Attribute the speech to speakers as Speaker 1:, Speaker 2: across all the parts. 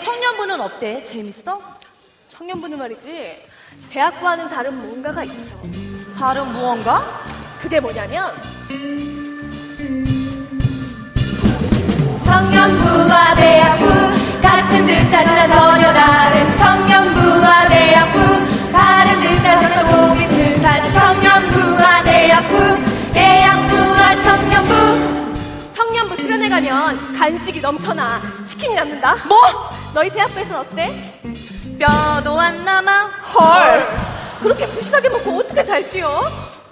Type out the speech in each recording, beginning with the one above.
Speaker 1: 청년부는 어때? 재밌어?
Speaker 2: 청년부는 말이지, 대학과는 다른 뭔가가 있어.
Speaker 1: 다른 무언가?
Speaker 2: 그게 뭐냐면
Speaker 1: 청년부와 대학부 같은 듯 하지만 전혀 다른 청년부와 대학부 다른 듯 하지만 비슷한 청년부와 대학부와 청년부.
Speaker 2: 청년부 수련회 가면 간식이 넘쳐나 치킨이 남는다.
Speaker 1: 뭐?
Speaker 2: 너희 대학부에서는 어때?
Speaker 1: 뼈도 안 남아. 헐.
Speaker 2: 그렇게 부실하게 먹고 어떻게 잘 뛰어?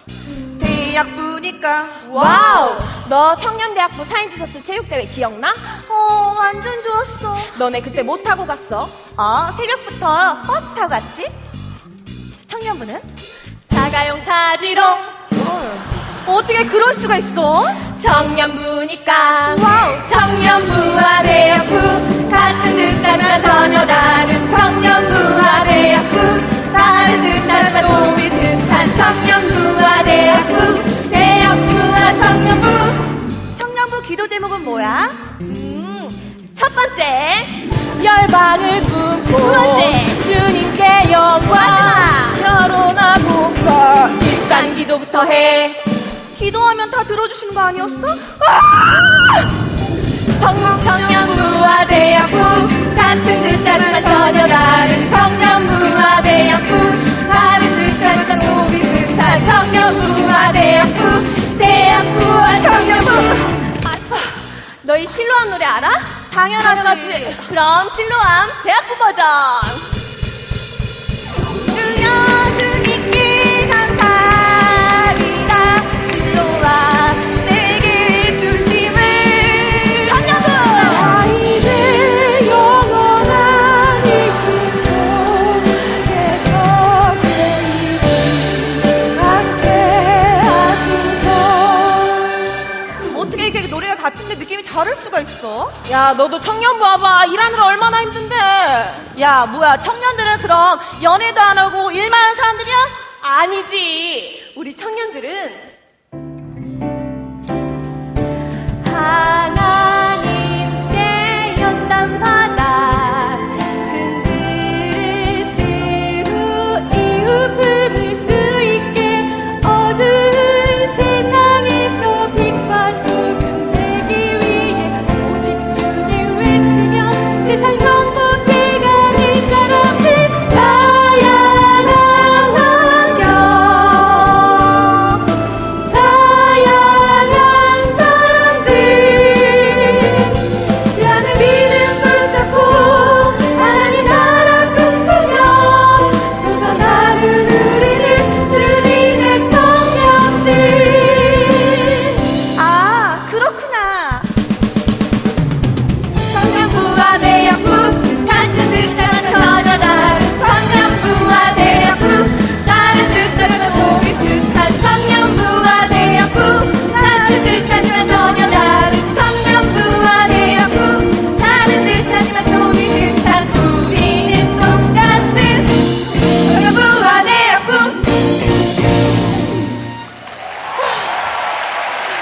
Speaker 1: 대학부니까.
Speaker 2: 와우! 너 청년대학부 사인디서스 체육대회 기억나?
Speaker 1: 완전 좋았어.
Speaker 2: 너네 그때 뭐 타고 갔어?
Speaker 1: 새벽부터 버스 타고 갔지? 청년부는?
Speaker 2: 자가용 타지롱.
Speaker 1: 어떻게 그럴 수가 있어?
Speaker 2: 청년부니까.
Speaker 1: 와우. 청년부와 대학부 같은 듯하지만 전혀 다른 청년부와 대학부 다른 듯하지만 또 비슷한 청년부와 대학부와 청년부 기도 제목은 뭐야?
Speaker 2: 첫 번째, 열방을 품고. 두 번째, 주님께 영광. 결혼하고 일단 기도부터 해.
Speaker 1: 기도하면 다 들어주시는 거 아니었어?
Speaker 2: 청년부와
Speaker 1: 대학부 같은 듯하지만 전혀 다른 청년부와 대학부 다른 듯하지만 또 비슷한 청년부와 대학부와 청년부.
Speaker 2: 너희 실로암 노래 알아?
Speaker 1: 당연하지.
Speaker 2: 그럼 실로암 대학부 버전.
Speaker 1: 주여 주님께 감사합니다. 실로와 내게 주심을.
Speaker 2: 청년부.
Speaker 3: 아이들 영원한 이름 속에서 함께 하소서.
Speaker 1: 어떻게 이렇게 노래가 같은데 느낌이 다를 수가 있어?
Speaker 2: 야, 너도 청년부 와봐. 일하느라 얼마나 힘든데.
Speaker 1: 야, 뭐야, 청년들은 그럼 연애도 안 하고 일만 하는 사람들이야?
Speaker 2: 아니지. 우리 청년들은
Speaker 1: 하나